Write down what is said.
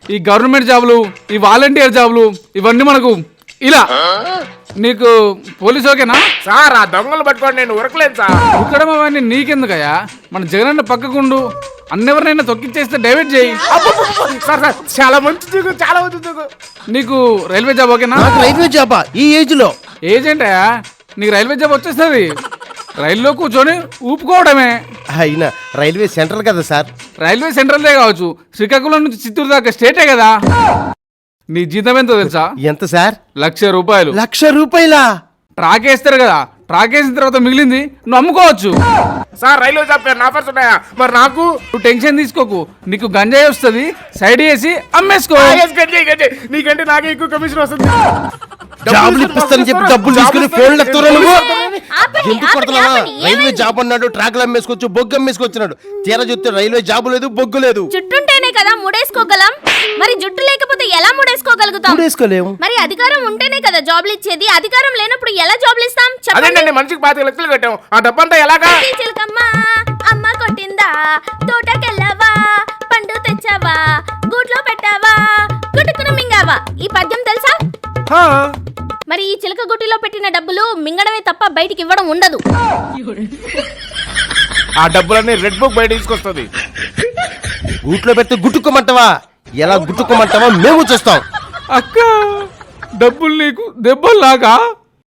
ఈ గవర్నమెంట్ జాబులు, ఈ వాలంటీర్ జాబులు ఇవన్నీ మనకు ఇలా. నీకు పోలీస్ ఓకేనా? సార్ ఆ దొంగలు పట్టుకోండి, నేను ఉరకలేదు సార్. ఉక్కడం అవన్నీ నీకెందుకయ్యా? మన జగనన్న పక్కకుండు, అన్నెవరినైనా తొక్కిచ్చేస్తే డైవర్ట్ చేయి. సార్ సార్ చాలా మంచి దిగు, చాలా మంచి దిగు. నీకు రైల్వే జాబ్ ఓకేనా? నాకు రైల్వే జాబా ఈ ఏజ్ లో? ఏజెంటయా, నీకు రైల్వే జాబ్ వచ్చేస్తుంది. రైల్లో కూర్చొని ఊపుకోవడమే. అయినా రైల్వే సెంట్రల్ కదా సార్. రైల్వే సెంట్రల్దే కావచ్చు, శ్రీకాకుళం నుంచి చిత్తూరు దాకా స్టేటే కదా. నీ జీతం ఎంతో తెలుసా? ఎంత సార్? 1,00,000 రూపాయలు. 1,00,000 రూపాయలా? ట్రాక్ వేస్తారు కదా, ట్రాక్ వేసిన తర్వాత మిగిలింది నువ్వు అమ్ముకోవచ్చు. సార్ రైల్వే జాబ్ ఆఫర్స్ ఉన్నాయా? మరి నాకు నువ్వు టెన్షన్ తీసుకోకు, నీకు గంజాయి వస్తుంది, సైడ్ వేసి అమ్మేసుకో. నీకంటే నాకే ఎక్కువ కమిషన్ వస్తుంది. జాబులు ఇప్పిస్తానని చెప్పి డబ్బులు తీసుకుని ఫోన్లు ఎత్తురా నువ్వు. ఎందుకు కొడుతున్నావా? రైల్వే జాబ్ అన్నాడు, ట్రాక్లు అమ్మేసుకోవచ్చు, బొగ్గు అమ్మేసుకొచ్చినాడు. తీరా చూస్తే రైల్వే జాబు లేదు, బొగ్గు లేదు. జుట్టుంటేనే కదా ముడేసుకోగలం, మరి జుట్టు లేకపోతే ఎలా ముడేసుకోగలుగుతాం? ముడేసుకోలేము. మరి అధికారం ఉంటేనే కదా జాబ్లు ఇచ్చేది, అధికారం లేనప్పుడు ఎలా జాబ్లు ఇస్తాం? అదేంటండి, మనిషికి 25 లక్షలు కట్టాం, ఆ డబ్బంతా ఎలాగా? చిలకమ్మ అమ్మ కొట్టిందా, తోటకెళ్ళావా, పండు తెచ్చావా, గూట్లో పెట్టావా, గుట్టుకుని మింగావా. ఈ పద్యం తెలుసా? మరి ఈ చిలక గుట్టిలో పెట్టిన డబ్బులు మింగడమే తప్ప బయటికి ఇవ్వడం ఉండదు. ఆ డబ్బులన్నీ రెడ్ బుక్ బయట తీసుకొస్తుంది. గూట్లో పెడితే గుట్టుకోమంటావా? ఎలా గుట్టుకోమంటావా మేము చూస్తాం. అక్క, డబ్బులు నీకు దెబ్బలు లాగా